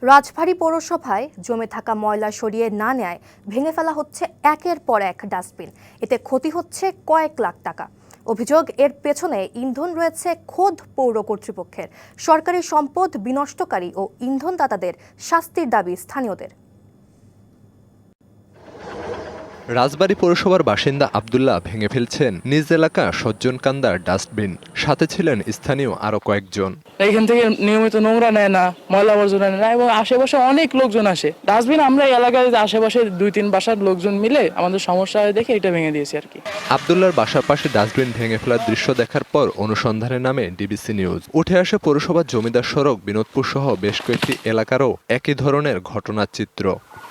রাজবাড়ী পৌরসভায় জমে থাকা ময়লা সরিয়ে না নেয় ভেঙে ফেলা হচ্ছে একের পর এক ডাস্টবিন। এতে ক্ষতি হচ্ছে কয়েক লাখ টাকা। অভিযোগ, এর পেছনে ইন্ধন রয়েছে খোদ পৌর কর্তৃপক্ষের। সরকারি সম্পদ বিনষ্টকারী ও ইন্ধনদাতাদের শাস্তির দাবি স্থানীয়দের। রাজবাড়ী পৌরসভার বাসিন্দা আব্দুল্লাহ ভেঙে ফেলছেন নিজ এলাকা সজ্জনকান্দার ডাস্টবিন। সাথে ছিলেন স্থানীয় আরো কয়েকজন। এইখান থেকে নিয়মিত নোংরা নেয় না, ময়লা আবর্জনা নেয় না এবং আশেপাশে অনেক লোকজন আসে। ডাস্টবিন আমরা এলাকায় আশেপাশে 2-3 বাসার লোকজন মিলে আমাদের সমস্যা দেখে এটা ভেঙে দিয়েছি আর কি। আব্দুল্লাহর বাসার পাশে ডাস্টবিন ভেঙে ফেলার দৃশ্য দেখার পর অনুসন্ধানে নামে ডিবিসি নিউজ। উঠে আসে পৌরসভার জমিদার সড়ক বিনোদপুর সহ বেশ কয়েকটি এলাকারও একই ধরনের ঘটনার চিত্র।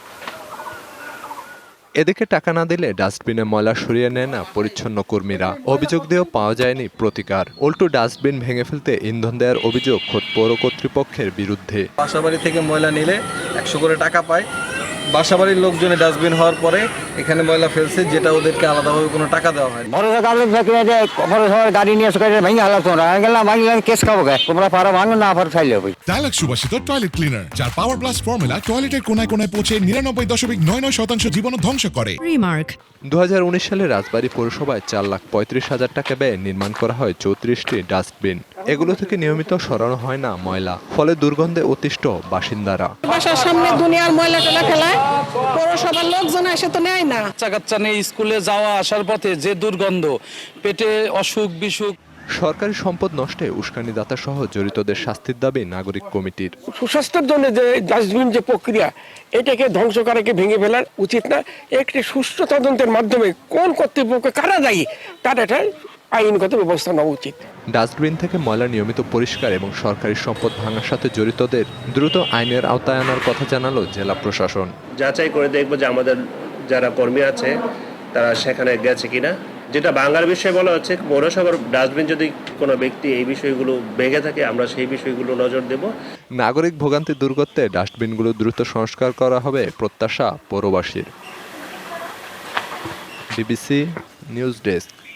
এদিকে টাকা না দিলে ডাস্টবিনে ময়লা সরিয়ে নেয় না পরিচ্ছন্ন কর্মীরা। অভিযোগ দিয়েও পাওয়া যায়নি প্রতিকার। উল্টো ডাস্টবিন ভেঙে ফেলতে ইন্ধন দেওয়ার অভিযোগ খোদ পৌর কর্তৃপক্ষের বিরুদ্ধে। বাসাবাড়ি থেকে ময়লা নিলে 100 করে টাকা পায়। বাসাবাড়ির লোকজনে ডাস্টবিন হওয়ার পরে এখানে ময়লা ফেলছে, যেটা ওদেরকে আলাদাভাবে কোনো টাকা দেওয়া হয়। গাড়ি নিয়ে ভেঙে হালাম, ভাঙলাম কেস খাবো, তোমরা পারো ভাঙো না পারো চাইলে হবে। ডায়ালগ সুবাসিত টয়লেট ক্লিনার, যার পাওয়ার প্লাস ফর্মুলা টয়লেটের কোনায় কোনায় পৌঁছে 99.99% জীবন ধ্বংস করে। 2019 সালে রাজবাড়ী পৌরসভায় 4,35,000 টাকা ব্যয়ে নির্মাণ করা হয় 34টি ডাস্টবিন। এগুলো থেকে নিয়মিত সরানো হয় না ময়লা, ফলে দুর্গন্ধে অতিষ্ঠ বাসিন্দারা। বাসার সামনে দুনিয়ার ময়লা টেলা ফেলায়, পৌরসভার লোকজন এসে তো নেয় না। বাচ্চা নিয়ে স্কুলে যাওয়া আসার পথে যে দুর্গন্ধ, পেটে অসুখ বিসুখ। সরকারি সম্পদ নষ্টে উস্কানিদাতা সহ জড়িতদের শাস্তির দাবি নাগরিক কমিটির। সুস্বাস্থ্যের জন্য যে ডাস্টবিন যে প্রক্রিয়া, এটাকে ধ্বংস করাকে ভেঙে ফেলার উচিত না। একটি সুষ্ঠু তদন্তের মাধ্যমে কোন কর্তৃপক্ষ কারা দায়ী তার একটা আইনগত ব্যবস্থা নেওয়া উচিত। ডাস্টবিন থেকে ময়লা নিয়মিত পরিষ্কার এবং সরকারি সম্পদ ভাঙার সাথে জড়িতদের দ্রুত আইনের আওতায় আনার কথা জানালো জেলা প্রশাসন। যাচাই করে দেখবো যে আমাদের যারা কর্মী আছে তারা সেখানে গেছে কিনা। যেটা বাংলার বিষয়ে বলা হচ্ছে, পৌরসভার ডাস্টবিন যদি কোনো ব্যক্তি এই বিষয়গুলো ভেঙে থাকে, আমরা সেই বিষয়গুলো নজর দেব। নাগরিক ভোগান্তি দূর করতে ডাস্টবিনগুলো দ্রুত সংস্কার করা হবে প্রত্যাশা পৌরবাসীর। DBC news desk.